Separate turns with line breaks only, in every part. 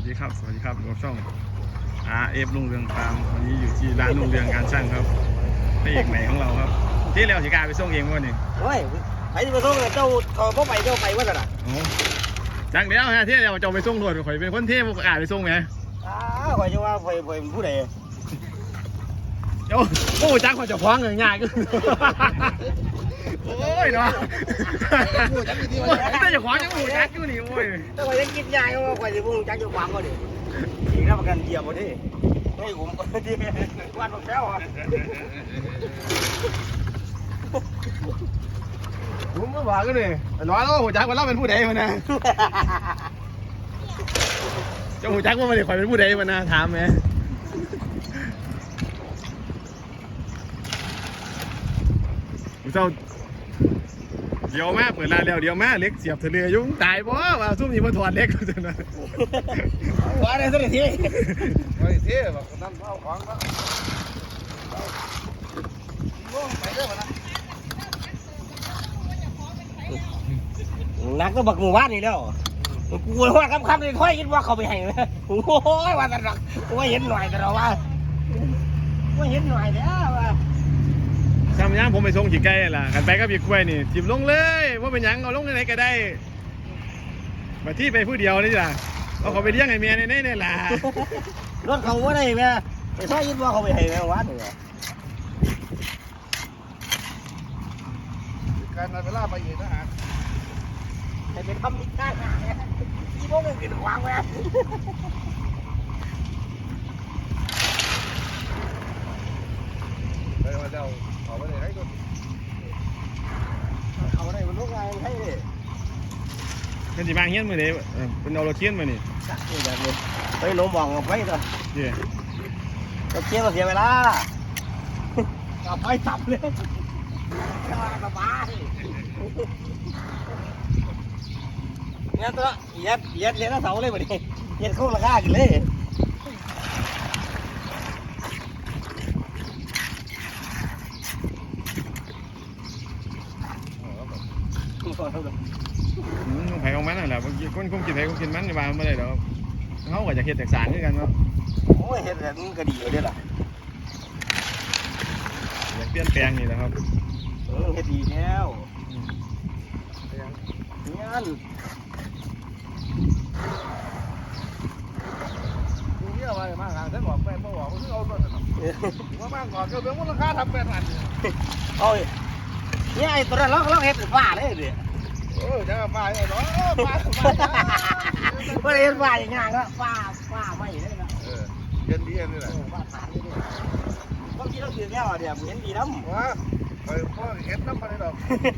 ดีครับสวัสดีครับกับช่อง RF ลุงเรืองฟาร์มวันนี้อยู่ที่ร้านลุงเรืองการช่างครับพระเอกใหม่ของเราครับที่เราสิกาไปส่งเองวะนี่
โอ้ยไปที่ไปส่งเจ้าเขาบ่ไปเจ้าไปว่าซั่นน่ะ
โอ้จังเดียวฮะที่เราจะไปส่งรถข่อยเป็นคนเทพกาไปส่งไหม
ข่อยจะว่าข่อยเป็นผู้ใด
โอ้จังข่อยจะคว้างเงินง่ายก็โอ้ยเนาะแต่จะคว้างยังหูจักอยู่นี่โอ้ย
แต่ข่อยยังคิดยากว่าข่อยสิบ่ฮู้จักอยู่ความบ่ดิอีกรับประกันเกียร์บ่ดิเฮ้ยผมดิวันบ่แซ่วอ่ะ
ผมก็บอกกันเลยน้อยแล้วหูจักว่าเราเป็นผู้ใดมันนะเจ้าหูจักว่ามันข่อยเป็นผู้ใดมันนะถามไหมเจ้าเดี๋ยวแม่เปิดร้านแล้วเดี๋ยวแม่เล็กเสียบทะเลยุ่งตายบ่ว่าซุ่มนี่มาถอดเล็กก็จะนะ
ว่าได้สักที
ไอ้เท่แบบนั่นเอาของแล้วไปเด้อมานะ
นักก็บักหมู่บ้านนี่แล้วกูว่าคำๆนี่ค่อยคิดว่าเขาไปให้นะโอ้ยว่าแต่รักว่าเห็นหน่อยแต่เราว่าเห็นหน่อยแล้วว่า
ทำยังผมไปส่งขี่ไก่ล่ะกันไปก็บีกล้วยนี่จิบลงเลยว่าเป็นยังเอาลงไหนก็ได้มาที่ไปผู้เดียวนี่จ้ะเอาเขาไปเลี้ยงไอ้เมียนี่ล่ะ
รถเขาว่าได้ไหมไอ้ท่อยินว่าเขาไปให้แม่วัดเลย
การเวลาไปเองนะฮะ
แต่เป็นคำนิการที่พวกมึงกินขวางแม่
ไปมาเจ้าเขาไม่ได้ให้ตัว
เขาได้มันลูกไงให้ดิ
เป็นจีบางเฮี้ยนมือเดียวเป็นเอาเราเทียนมานี่
จักรแบบนี้ไปโน้มมองไปตัว
เดี๋ยว
เราเทียนมาเสียเวลาเอาไปสับเลยสบายเนี่ยตัวเย็ดเลี้ยงเสาเลยแบบนี้เย็ดคู่ราคากันเลย
ไผ่ของมันน่ะแหละบางทีคนคงกินไผ่คงกินมันในบ้านไม่ได้หรอกเขาก็จะเห็ดแตกสารด้วยกันเนาะ
โอ้ยเห็ดแบบนี้ก็ดีอยู่ด้วยล่ะ
อยากเปลี่ยนแปลงนี่แหละครับ
เห็ดดีแล้วงั้น
ดูเยอะไปมากทางฉันบอกแฟนบอกว่าซื้อเอาต้นว่ามากกว่าก็เรื่องมูลค่าทำแปดพัน
โอ้ยเนี่ยไอ้ตัวนั้นเราเห็ดเป็นฝ้าเลยดิ
จะฝ้าไอ้น้องฝ้า
ไม่ได้เห็ดฝ้าอย่างงี้ก็ฝ้าไม่เลยนะ
เย็นดีเย็นนี่แหละ
ฝ้าฐานนี่เลยบางทีเราถือแก้วเดี๋ยวเห็นดีน้ำ
ว้าไปพ่อเห็ดน้ำมันเลยดอก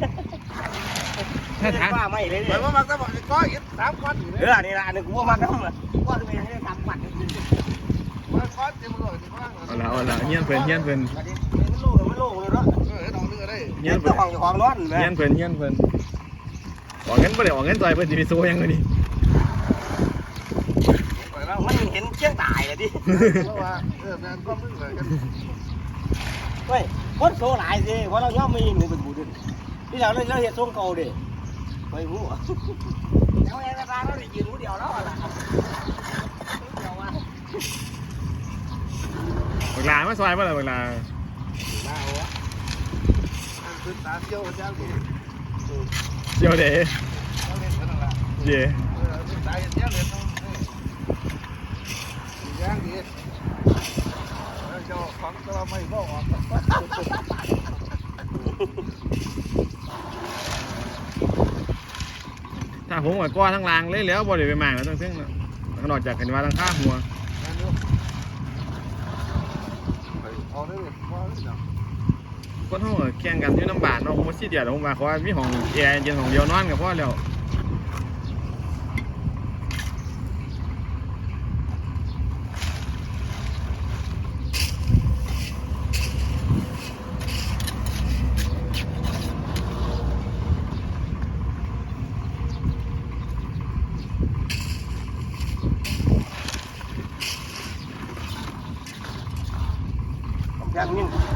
ฝ้าไม่เลย
ไปว่ามักจะบอกก้อยเห็ด3 ก้อน
นี่ละนึกว่ามันน้ำว่าจะเป็นให้ทำปั่น
ก้อนเต็มเลยเอาละเงี้ยเพื่อน
มันโล่เลยเนาะ
เงี้ยเพื่อน
ของร้อน
เงี้ยเพื่อนออกเงินไม่ได้ออกเงินใจเพื่อนจะไปโซ่ยังไงดิ
มันเห็นเชี่ยงตายเลยดิเฮ้ยคนโซ่หลายสิเพราะเราย่อมไม่ยินเป็นบูดึงที่เราเห็นทรงเก่าดิไม่รู้แล้วไอ้ร้านเราได้ยืนผู้เดียวแล้วล่ะ
เวลาไม่ซอยเมื่อไรเวลาเจียวเด๋เย่ถ้าผมกับก้อนทั้งรางเลยแล้วบริเวณมากแล้วต้องซึ่งนอกจากกันว่าทั้งข้าหัวคนห้องแข่งกันอยู่น้ำบาดเนาะผมว่าชี้เดียวผมมาเขาว่ามีห้องแอร์เย็นของเดียวนอนกับพ่อแล้ว
อย่างนี้